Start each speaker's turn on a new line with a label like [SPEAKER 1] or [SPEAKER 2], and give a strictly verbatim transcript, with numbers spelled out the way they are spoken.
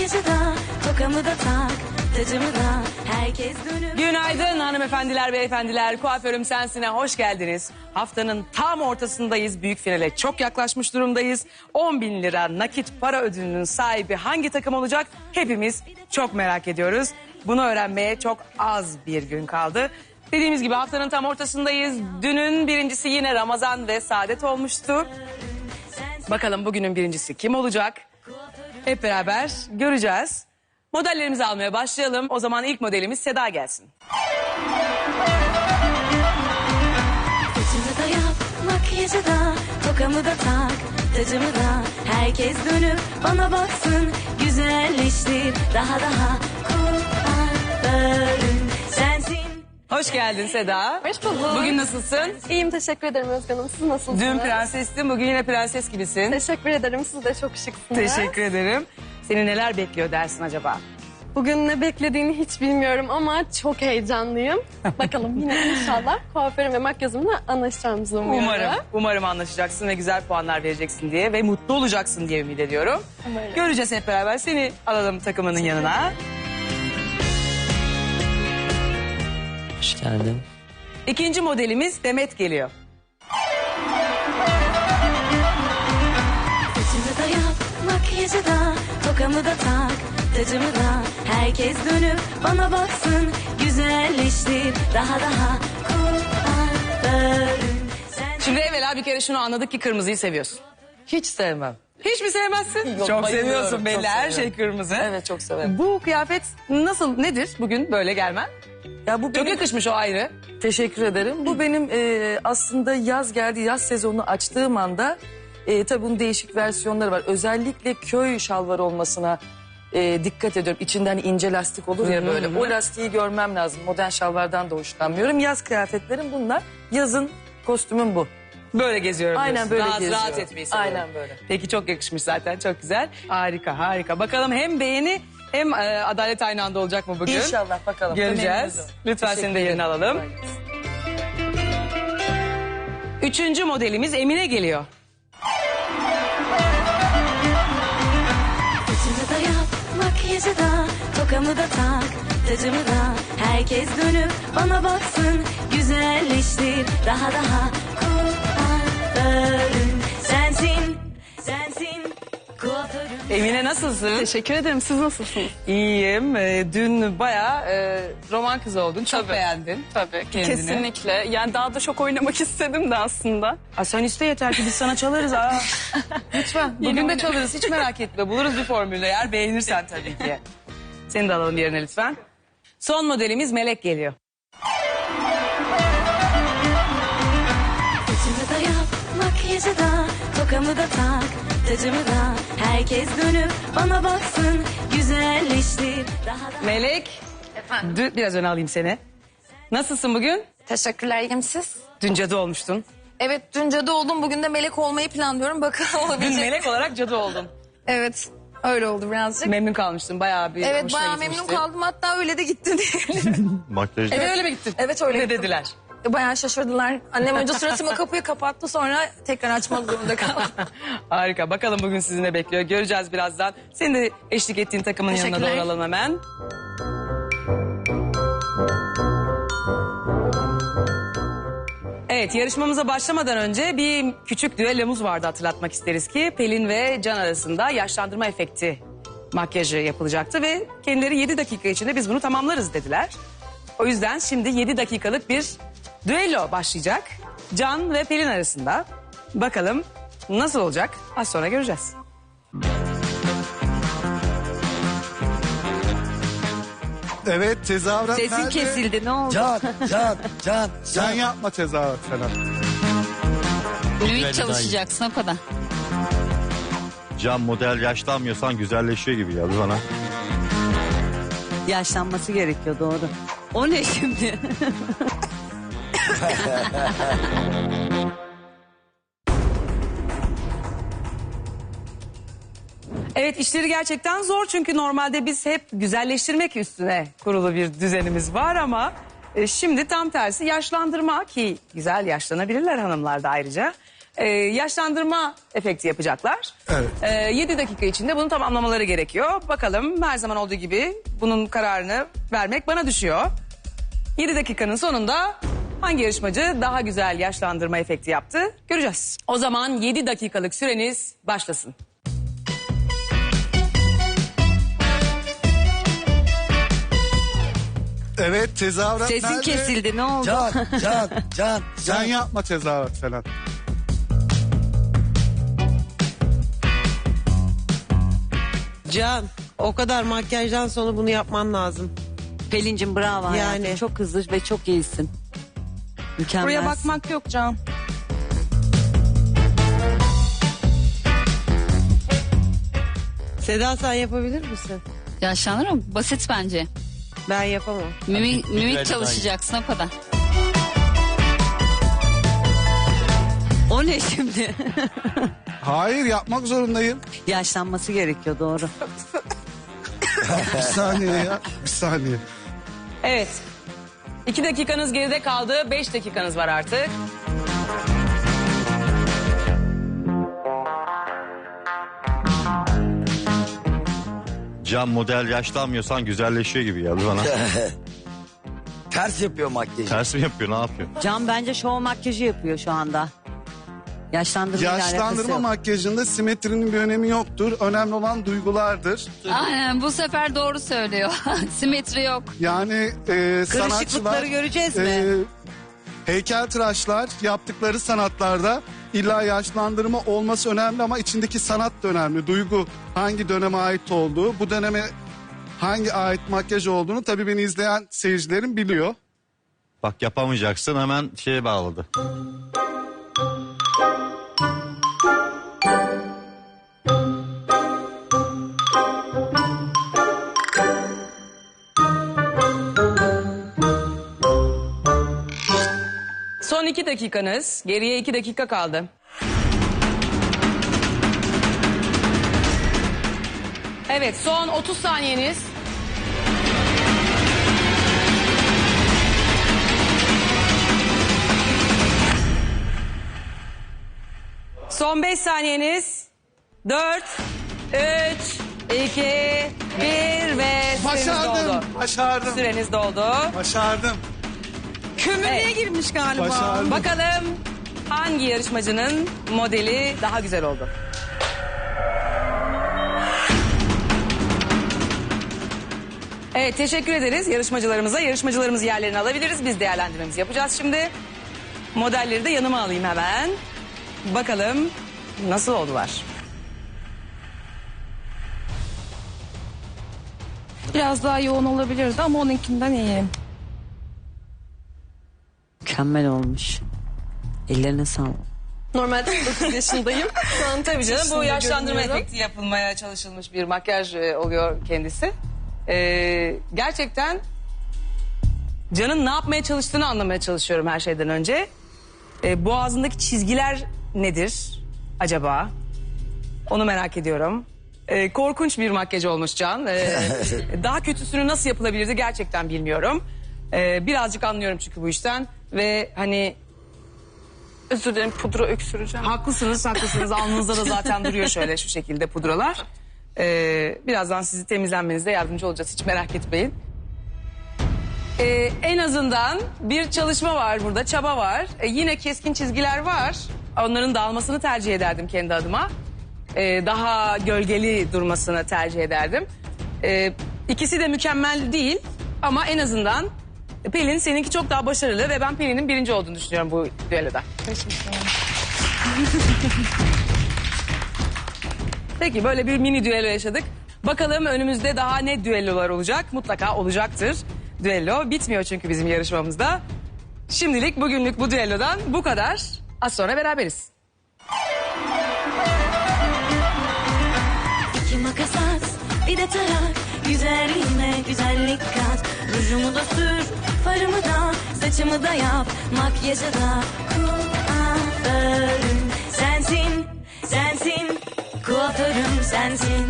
[SPEAKER 1] makyajı da, tokamı da tak, tacımı da, herkes dönüp...
[SPEAKER 2] Günaydın hanımefendiler, beyefendiler. Kuaförüm Sensin'e hoş geldiniz. Haftanın tam ortasındayız. Büyük finale çok yaklaşmış durumdayız. on bin lira nakit para ödülünün sahibi hangi takım olacak? Hepimiz çok merak ediyoruz. Bunu öğrenmeye çok az bir gün kaldı. Dediğimiz gibi haftanın tam ortasındayız. Dünün birincisi yine Ramazan ve Saadet olmuştu. Bakalım bugünün birincisi kim olacak? Hep beraber göreceğiz. Modellerimizi almaya başlayalım. O zaman ilk modelimiz Seda gelsin.
[SPEAKER 1] Saçımı da yap, makyajı da, tokamı da tak, tacımı da, herkes dönüp bana baksın, güzelleştir daha daha, kuaförüm sensin.
[SPEAKER 2] Hoş geldin Seda.
[SPEAKER 3] Hoş bulduk.
[SPEAKER 2] Bugün nasılsın?
[SPEAKER 3] İyiyim, teşekkür ederim Özge Hanım. Siz nasılsınız?
[SPEAKER 2] Dün prensestin, bugün yine prenses gibisin.
[SPEAKER 3] Teşekkür ederim. Siz de çok şıksınız.
[SPEAKER 2] Teşekkür ederim. Seni neler bekliyor dersin acaba?
[SPEAKER 3] Bugün ne beklediğini hiç bilmiyorum ama çok heyecanlıyım. Bakalım yine inşallah kuaförüm ve makyajımla anlaşacağımızı umuyorum.
[SPEAKER 2] Umarım, umarım anlaşacaksın ve güzel puanlar vereceksin diye ve mutlu olacaksın diye ümit ediyorum.
[SPEAKER 3] Umarım.
[SPEAKER 2] Göreceğiz hep beraber. Seni alalım takımının yanına.
[SPEAKER 4] Hoş geldin.
[SPEAKER 2] İkinci modelimiz Demet geliyor.
[SPEAKER 1] Saçımı da yap, makyajı da, tokamı da tak, tacımı da, herkes dönüp bana baksın, güzelleştir daha daha, kuaförüm sensin.
[SPEAKER 2] Şimdi evvela bir kere şunu anladık ki kırmızıyı seviyorsun.
[SPEAKER 4] Hiç sevmem.
[SPEAKER 2] Hiç mi sevmezsin?
[SPEAKER 4] Yok,
[SPEAKER 2] çok
[SPEAKER 4] bayılıyorum,
[SPEAKER 2] seviyorsun belli.
[SPEAKER 4] çok
[SPEAKER 2] Her şey
[SPEAKER 4] seviyorum.
[SPEAKER 2] kırmızı.
[SPEAKER 4] Evet, çok severim.
[SPEAKER 2] Bu kıyafet nasıl, nedir bugün böyle gelmen?
[SPEAKER 4] Ya bu
[SPEAKER 2] Çok
[SPEAKER 4] benim,
[SPEAKER 2] yakışmış o ayrı.
[SPEAKER 4] teşekkür ederim. Bu benim e, aslında yaz geldi, yaz sezonunu açtığım anda e, tabii bunun değişik versiyonları var. Özellikle köy şalvarı olmasına e, dikkat ediyorum. İçinden ince lastik olur ya
[SPEAKER 2] Hı hı
[SPEAKER 4] böyle.
[SPEAKER 2] hı.
[SPEAKER 4] O lastiği görmem lazım. Modern şalvardan da hoşlanmıyorum. Yaz kıyafetlerim bunlar. Yazın kostümüm bu.
[SPEAKER 2] Böyle geziyorum
[SPEAKER 4] Aynen
[SPEAKER 2] diyorsun.
[SPEAKER 4] böyle
[SPEAKER 2] Rahat,
[SPEAKER 4] geziyorum.
[SPEAKER 2] rahat etmeyi seviyorum.
[SPEAKER 4] Aynen böyle.
[SPEAKER 2] Peki çok yakışmış zaten, çok güzel. Harika, harika. Bakalım hem beğeni hem e, adalet aynı anda olacak mı bugün?
[SPEAKER 4] İnşallah bakalım.
[SPEAKER 2] Göreceğiz.
[SPEAKER 4] Temenimiz o.
[SPEAKER 2] Lütfen
[SPEAKER 4] Teşekkür
[SPEAKER 2] senin de yerini
[SPEAKER 4] ederim.
[SPEAKER 2] alalım. Üçüncü modelimiz Emine geliyor.
[SPEAKER 1] Saçımı da yap, makyajı da, tokamı da tak, tacımı da, herkes dönüp bana baksın, güzelleştir daha daha, kuaförüm sensin, sensin, kuaförüm.
[SPEAKER 2] Emine nasılsın?
[SPEAKER 3] Teşekkür ederim. Siz nasılsınız?
[SPEAKER 2] İyiyim. E, dün bayağı e, roman kızı oldun. Çok
[SPEAKER 3] Tabii.
[SPEAKER 2] beğendin.
[SPEAKER 3] Tabii,
[SPEAKER 2] Kendini.
[SPEAKER 3] kesinlikle. Yani daha da çok oynamak istedim de aslında.
[SPEAKER 2] Aa, sen iste yeter ki biz sana çalarız. Aa. Lütfen. Bugün de çalarız. Hiç merak etme. Buluruz bir formülü eğer beğenirsen tabii ki. Seni de alalım yerine lütfen. Son modelimiz Melek geliyor.
[SPEAKER 1] Saçımı da yap, makyajı da, tokamı da tak, tacımı da, herkes dönüp bana baksın, güzelleştir daha daha.
[SPEAKER 2] Melek.
[SPEAKER 5] Efendim.
[SPEAKER 2] Dün, biraz öne alayım seni. Nasılsın bugün?
[SPEAKER 5] Teşekkürler, iyiyim siz?
[SPEAKER 2] Dün cadı olmuştun.
[SPEAKER 5] Evet, dün cadı oldum, bugün de melek olmayı planlıyorum. Bakalım
[SPEAKER 2] Dün
[SPEAKER 5] olabilecek.
[SPEAKER 2] melek olarak cadı oldun.
[SPEAKER 5] Evet, öyle oldu birazcık.
[SPEAKER 2] Memnun kalmıştın. Bayağı bir
[SPEAKER 5] evet,
[SPEAKER 2] hoşuna
[SPEAKER 5] bayağı
[SPEAKER 2] gitmişti.
[SPEAKER 5] memnun kaldım, hatta öyle de gitti diyebilirim.
[SPEAKER 6] Makyajda.
[SPEAKER 2] Evet, öyle mi gittin?
[SPEAKER 5] Evet, öyle
[SPEAKER 2] Ne
[SPEAKER 5] gittim.
[SPEAKER 2] dediler?
[SPEAKER 5] Bayağı şaşırdılar. Annem önce suratıma kapıyı kapattı, sonra tekrar açmak zorunda kaldım.
[SPEAKER 2] Harika. Bakalım bugün sizi ne bekliyor. Göreceğiz birazdan. Senin de eşlik ettiğin takımın yanına
[SPEAKER 5] Teşekkürler.
[SPEAKER 2] doğru alalım hemen. Evet, yarışmamıza başlamadan önce bir küçük düellomuz vardı, hatırlatmak isteriz ki. Pelin ve Can arasında yaşlandırma efekti makyajı yapılacaktı ve kendileri yedi dakika içinde biz bunu tamamlarız dediler. O yüzden şimdi yedi dakikalık bir düello başlayacak. Can ve Pelin arasında. Bakalım nasıl olacak? Az sonra göreceğiz.
[SPEAKER 6] Evet, tezahürat
[SPEAKER 2] Sesin
[SPEAKER 6] nerede?
[SPEAKER 2] kesildi, ne oldu?
[SPEAKER 7] Can, can, can.
[SPEAKER 6] Sen yapma tezahürat falan.
[SPEAKER 8] Fluid çalışacaksın o kadar.
[SPEAKER 6] Can, model yaşlanmıyorsan güzelleşiyor gibi geldi bana.
[SPEAKER 8] Yaşlanması gerekiyor, doğru. O ne şimdi?
[SPEAKER 2] Evet, işleri gerçekten zor çünkü normalde biz hep güzelleştirmek üstüne kurulu bir düzenimiz var ama e, şimdi tam tersi yaşlandırma, ki güzel yaşlanabilirler hanımlar da ayrıca. Ee, yaşlandırma efekti yapacaklar.
[SPEAKER 7] Evet.
[SPEAKER 2] Ee, yedi dakika içinde bunu tamamlamaları gerekiyor. Bakalım her zaman olduğu gibi bunun kararını vermek bana düşüyor. yedi dakikanın sonunda hangi yarışmacı daha güzel yaşlandırma efekti yaptı göreceğiz. O zaman yedi dakikalık süreniz başlasın.
[SPEAKER 7] Evet, tezahürat
[SPEAKER 8] Sesin
[SPEAKER 7] nerede?
[SPEAKER 8] kesildi, ne oldu?
[SPEAKER 9] Can, can, can,
[SPEAKER 7] Sen
[SPEAKER 9] can.
[SPEAKER 7] yapma tezahürat falan.
[SPEAKER 10] Can, o kadar makyajdan sonra bunu yapman lazım.
[SPEAKER 8] Pelin'cim bravo hayatım.
[SPEAKER 10] Yani.
[SPEAKER 8] Çok hızlı ve çok iyisin. Mükemmel.
[SPEAKER 5] Buraya bakmak yok Can.
[SPEAKER 10] Seda sen yapabilir misin?
[SPEAKER 8] Yaşlanır mı? Basit bence.
[SPEAKER 10] Ben yapamam.
[SPEAKER 8] Mimik, mimik
[SPEAKER 6] güzel
[SPEAKER 8] çalışacaksın o kadar. O ne şimdi?
[SPEAKER 7] Hayır, yapmak zorundayım.
[SPEAKER 8] Yaşlanması gerekiyor, doğru.
[SPEAKER 7] Bir saniye ya, bir saniye.
[SPEAKER 2] Evet. iki dakikanız geride kaldı. beş dakikanız var artık.
[SPEAKER 6] Can model yaşlanmıyorsan güzelleşiyor gibi geldi bana.
[SPEAKER 9] Ters yapıyor makyajı.
[SPEAKER 6] Ters mi yapıyor, ne yapıyor?
[SPEAKER 8] Can bence şov makyajı yapıyor şu anda. Yaşlandırma ile alakası
[SPEAKER 7] Yaşlandırma
[SPEAKER 8] yok.
[SPEAKER 7] makyajında simetrinin bir önemi yoktur. Önemli olan duygulardır.
[SPEAKER 11] Aynen, bu sefer doğru söylüyor. Simetri yok.
[SPEAKER 7] Yani e, sanatçılar...
[SPEAKER 10] Karışıklıkları göreceğiz mi?
[SPEAKER 7] e, heykeltıraşlar yaptıkları sanatlarda illa yaşlandırma olması önemli ama içindeki sanat da önemli. Duygu hangi döneme ait olduğu, bu döneme hangi ait makyaj olduğunu tabii beni izleyen seyircilerim biliyor.
[SPEAKER 6] Bak yapamayacaksın, hemen şeye bağladı.
[SPEAKER 2] Son iki dakikanız. Geriye iki dakika kaldı. Evet, son otuz saniyeniz. Son beş saniyeniz. Dört, üç, iki, bir ve süreniz
[SPEAKER 7] Başardım,
[SPEAKER 2] doldu.
[SPEAKER 7] başardım,
[SPEAKER 2] Süreniz doldu.
[SPEAKER 7] başardım.
[SPEAKER 5] Kömürlüğe
[SPEAKER 2] Evet.
[SPEAKER 5] girmiş galiba.
[SPEAKER 7] Başardım.
[SPEAKER 2] Bakalım hangi yarışmacının modeli daha güzel oldu? Evet, teşekkür ederiz yarışmacılarımıza. Yarışmacılarımız yerlerini alabiliriz. Biz değerlendirmemizi yapacağız şimdi. Modelleri de yanıma alayım hemen. Bakalım nasıl oldular?
[SPEAKER 5] Biraz daha yoğun olabilirdi ama onunkinden iyi.
[SPEAKER 8] Mükemmel olmuş. Ellerine sağlık.
[SPEAKER 3] Normalde dokuz yaşındayım. Şu an
[SPEAKER 2] Tabii canım, bu
[SPEAKER 3] yaşında
[SPEAKER 2] yaşlandırma
[SPEAKER 3] görünüyorum.
[SPEAKER 2] efekti yapılmaya çalışılmış bir makyaj e, oluyor kendisi. Ee, gerçekten Can'ın ne yapmaya çalıştığını anlamaya çalışıyorum her şeyden önce. Ee, boğazındaki çizgiler nedir acaba? Onu merak ediyorum. Ee, korkunç bir makyaj olmuş Can. Ee, daha kötüsünü nasıl yapılabilirdi gerçekten bilmiyorum. Ee, birazcık anlıyorum çünkü bu işten. Ve hani
[SPEAKER 3] Özür dilerim, pudra öksüreceğim.
[SPEAKER 2] haklısınız, haklısınız. Alnınızda da zaten duruyor şöyle şu şekilde pudralar. Ee, birazdan sizi temizlenmenize yardımcı olacağız, hiç merak etmeyin. Ee, en azından bir çalışma var burada, çaba var. Ee, yine keskin çizgiler var. Onların dağılmasını tercih ederdim kendi adıma. Ee, daha gölgeli durmasını tercih ederdim. Ee, ikisi de mükemmel değil ama en azından Pelin seninki çok daha başarılı ve ben Pelin'in birinci olduğunu düşünüyorum bu düelloda. Peki, böyle bir mini düello yaşadık. Bakalım önümüzde daha ne düellolar olacak? Mutlaka olacaktır. Düello bitmiyor çünkü bizim yarışmamızda. Şimdilik bugünlük bu düellodan bu kadar. Az sonra beraberiz.
[SPEAKER 1] İki makas at, bir de tarak. Güzelliğime güzellik kat. Rujumu da sür, farımı da, saçımı da yap. Makyajı da kuaförüm sensin, sensin. Kuaförüm sensin.